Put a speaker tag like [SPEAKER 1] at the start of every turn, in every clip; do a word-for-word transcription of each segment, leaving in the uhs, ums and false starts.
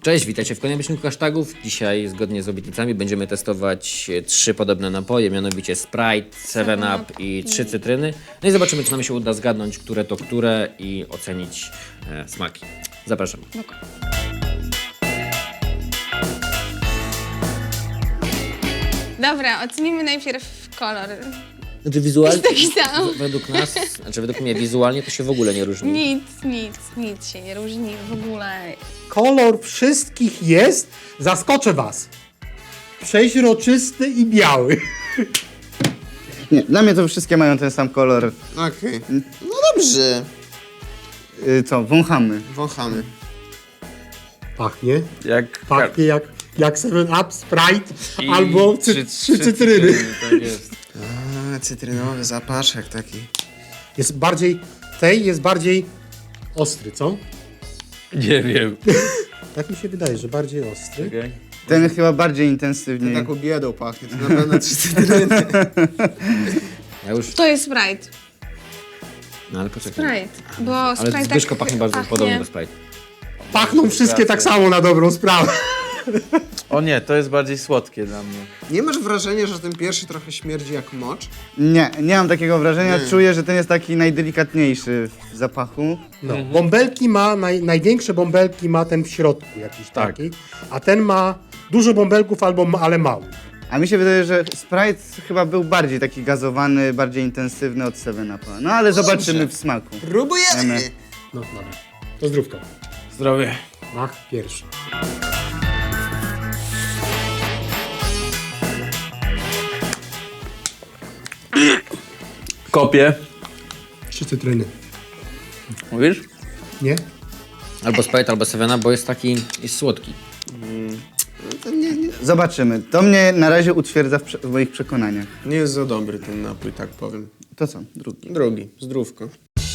[SPEAKER 1] Cześć, witajcie w kolejnym odcinku hashtagów. Dzisiaj, zgodnie z obietnicami, będziemy testować trzy podobne napoje, mianowicie Sprite, seven up i trzy cytryny. No i zobaczymy, czy nam się uda zgadnąć, które to które i ocenić e, smaki. Zapraszam.
[SPEAKER 2] Dobra, ocenimy najpierw kolor.
[SPEAKER 1] Znaczy wizualnie,
[SPEAKER 2] Jest taki sam.
[SPEAKER 1] według nas, znaczy według mnie wizualnie to się w ogóle nie różni.
[SPEAKER 2] Nic, nic, nic się nie różni w ogóle.
[SPEAKER 3] Kolor wszystkich jest, zaskoczę was, przeźroczysty i biały.
[SPEAKER 4] Nie, dla mnie to wszystkie mają ten sam kolor.
[SPEAKER 5] Okej. No dobrze.
[SPEAKER 4] Y, co, wąchamy.
[SPEAKER 5] Wąchamy.
[SPEAKER 3] Pachnie,
[SPEAKER 6] Jak
[SPEAKER 3] pachnie jak, jak seven up, Sprite
[SPEAKER 6] I
[SPEAKER 3] albo cy,
[SPEAKER 6] trzy-
[SPEAKER 3] trzy
[SPEAKER 6] trzy
[SPEAKER 3] cytryny.
[SPEAKER 6] Tak jest.
[SPEAKER 5] A, cytrynowy zapaszek taki.
[SPEAKER 3] Jest bardziej, tej jest bardziej ostry, co?
[SPEAKER 6] Nie wiem.
[SPEAKER 3] Tak mi się wydaje, że bardziej ostry.
[SPEAKER 6] Okay.
[SPEAKER 4] Ten chyba bardziej
[SPEAKER 5] To
[SPEAKER 4] intensywniej.
[SPEAKER 5] taką biedą pachnie, to na pewno trzy cytryny.
[SPEAKER 1] Ja już,
[SPEAKER 2] To jest Sprite.
[SPEAKER 1] no ale poczekaj.
[SPEAKER 2] Sprite, bo
[SPEAKER 1] Ale
[SPEAKER 2] Sprite
[SPEAKER 1] Zbyszko
[SPEAKER 2] tak
[SPEAKER 1] pachnie bardzo
[SPEAKER 2] pachnie.
[SPEAKER 1] podobnie do Sprite.
[SPEAKER 3] Pachną wszystkie tak samo na dobrą sprawę.
[SPEAKER 6] O nie, to jest bardziej słodkie dla mnie.
[SPEAKER 5] Nie masz wrażenia, że ten pierwszy trochę śmierdzi jak mocz?
[SPEAKER 4] Nie, nie mam takiego wrażenia.
[SPEAKER 5] Nie.
[SPEAKER 4] Czuję, że ten jest taki najdelikatniejszy w zapachu.
[SPEAKER 3] No, bąbelki ma, naj, największe bąbelki ma ten w środku jakiś
[SPEAKER 6] Tak.
[SPEAKER 3] taki, a ten ma dużo bąbelków, albo ma, ale mały.
[SPEAKER 4] A mi się wydaje, że Sprite chyba był bardziej taki gazowany, bardziej intensywny od seven upa. No ale zobaczymy w smaku.
[SPEAKER 5] Próbujemy!
[SPEAKER 4] Wiemy.
[SPEAKER 3] No dobra, to zdrówko.
[SPEAKER 6] Zdrowie.
[SPEAKER 3] Mach pierwszy.
[SPEAKER 6] Kopię.
[SPEAKER 3] Trzy cytryny.
[SPEAKER 6] Mówisz?
[SPEAKER 3] Nie?
[SPEAKER 1] Albo Sprite, albo seven up, bo jest taki, jest słodki.
[SPEAKER 5] To nie, nie,
[SPEAKER 4] Zobaczymy. To mnie na razie utwierdza w, prze- w moich przekonaniach.
[SPEAKER 5] nie jest za dobry ten napój, tak powiem.
[SPEAKER 4] To co? Drugi.
[SPEAKER 5] Drugi, zdrówko.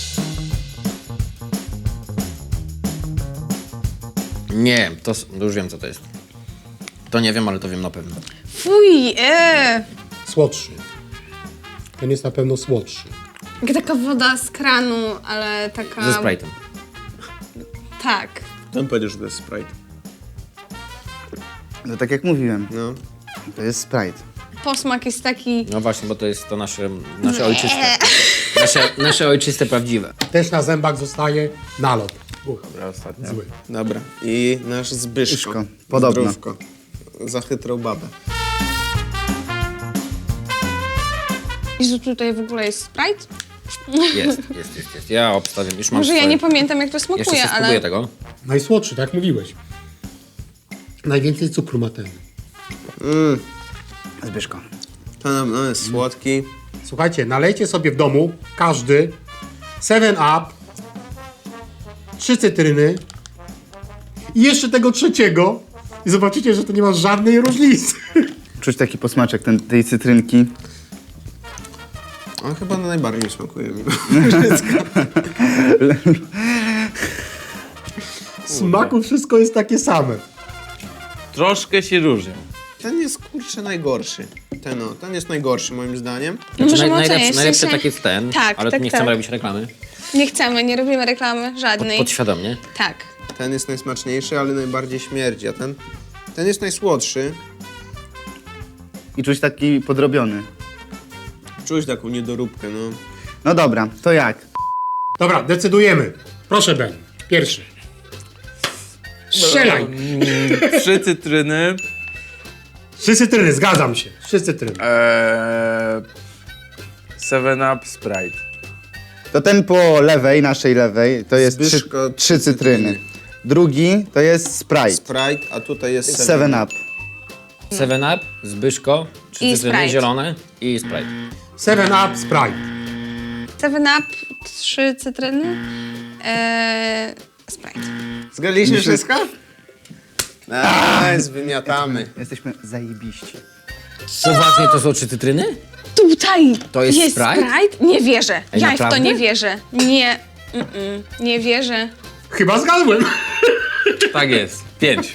[SPEAKER 1] Nie, to s- no już wiem, co to jest. To nie wiem, ale to wiem na pewno.
[SPEAKER 2] Fuj, eee.
[SPEAKER 3] Słodszy. Ten jest na pewno słodszy.
[SPEAKER 2] Jak taka woda z kranu, ale taka...
[SPEAKER 1] Ze Sprite'em.
[SPEAKER 2] Tak.
[SPEAKER 5] Ten powiedział, że to jest Sprite.
[SPEAKER 4] No tak jak mówiłem,
[SPEAKER 5] No.
[SPEAKER 4] to jest Sprite.
[SPEAKER 2] Posmak jest taki...
[SPEAKER 1] No właśnie, bo to jest to nasze, nasze ojczyste. Nasze, nasze ojczyste, prawdziwe.
[SPEAKER 3] Też na zębach zostaje nalot. Uch,
[SPEAKER 6] Dobra, ostatnia.
[SPEAKER 3] zły.
[SPEAKER 5] Dobra. I nasz Zbyszko.
[SPEAKER 4] Zbyszko, podobno.
[SPEAKER 5] Zdrówko. Za chytrą babę.
[SPEAKER 2] I że tutaj w ogóle jest Sprite?
[SPEAKER 1] Jest, jest, jest, jest. Ja obstawiam, już mam
[SPEAKER 2] Może ja
[SPEAKER 1] swoje.
[SPEAKER 2] nie pamiętam, jak to
[SPEAKER 1] Jeszcze
[SPEAKER 2] smakuje,
[SPEAKER 1] sobie spróbuję
[SPEAKER 2] ale...
[SPEAKER 1] tego.
[SPEAKER 3] Najsłodszy, tak mówiłeś. Najwięcej cukru ma ten.
[SPEAKER 5] Mm,
[SPEAKER 4] Zbyszko.
[SPEAKER 5] to na pewno jest słodki.
[SPEAKER 3] Słuchajcie, nalejcie sobie w domu, każdy, seven up, trzy cytryny i jeszcze tego trzeciego i zobaczycie, że to nie ma żadnej różnicy.
[SPEAKER 4] Czuć taki posmaczek ten, tej cytrynki.
[SPEAKER 5] On chyba najbardziej smakuje mi.
[SPEAKER 3] W smaku wszystko jest takie same.
[SPEAKER 6] Troszkę się różnią.
[SPEAKER 5] Ten jest kurczę najgorszy. Ten o, ten jest najgorszy moim zdaniem.
[SPEAKER 2] No
[SPEAKER 1] Znaczy,
[SPEAKER 2] możemy
[SPEAKER 1] naj, najlepszy,
[SPEAKER 2] ocenić, w
[SPEAKER 1] najlepszy
[SPEAKER 2] sensie-
[SPEAKER 1] tak jest ten,
[SPEAKER 2] Tak,
[SPEAKER 1] ale
[SPEAKER 2] tak,
[SPEAKER 1] tu nie
[SPEAKER 2] tak.
[SPEAKER 1] chcemy robić reklamy.
[SPEAKER 2] Nie chcemy, nie robimy reklamy
[SPEAKER 1] Pod,
[SPEAKER 2] żadnej.
[SPEAKER 1] podświadomie.
[SPEAKER 2] Tak.
[SPEAKER 5] Ten jest najsmaczniejszy, ale najbardziej śmierdzi, a ten... Ten jest najsłodszy.
[SPEAKER 4] I czuć taki podrobiony.
[SPEAKER 5] Czuć taką niedoróbkę, no.
[SPEAKER 4] No dobra, to jak?
[SPEAKER 3] Dobra, decydujemy. Proszę, Ben, pierwszy. Strzelaj.
[SPEAKER 6] Trzy cytryny.
[SPEAKER 3] Trzy cytryny, zgadzam się. Trzy cytryny.
[SPEAKER 6] Eee, seven up Sprite.
[SPEAKER 4] To ten po lewej, naszej lewej, to jest trzy,
[SPEAKER 5] Zbyszko,
[SPEAKER 4] trzy cytryny. Drugi to jest Sprite.
[SPEAKER 5] Sprite, a tutaj jest
[SPEAKER 4] seven up.
[SPEAKER 1] seven up, Zbyszko, trzy
[SPEAKER 2] I
[SPEAKER 1] cytryny
[SPEAKER 2] Sprite.
[SPEAKER 1] zielone i Sprite.
[SPEAKER 3] seven up, Sprite.
[SPEAKER 2] seven up, trzy cytryny, eee, Sprite.
[SPEAKER 5] Zgadliśmy wszystko? Nice, wymiatamy.
[SPEAKER 4] Jesteśmy zajebiści.
[SPEAKER 1] Poważnie to są trzy cytryny?
[SPEAKER 2] Tutaj
[SPEAKER 1] To jest Sprite?
[SPEAKER 2] Nie wierzę.
[SPEAKER 1] Ej,
[SPEAKER 2] ja w to
[SPEAKER 1] naprawdę?
[SPEAKER 2] nie wierzę. Nie, mm-mm, nie wierzę.
[SPEAKER 3] Chyba zgadłem.
[SPEAKER 6] Tak jest. Pięć.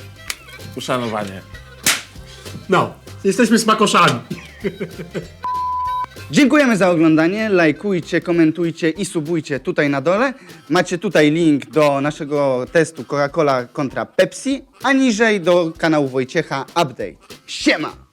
[SPEAKER 6] Uszanowanie.
[SPEAKER 3] No, jesteśmy smakoszami.
[SPEAKER 4] Dziękujemy za oglądanie, lajkujcie, komentujcie i subujcie tutaj na dole. Macie tutaj link do naszego testu Coca-Cola kontra Pepsi, a niżej do kanału Wojciecha Update. Siema!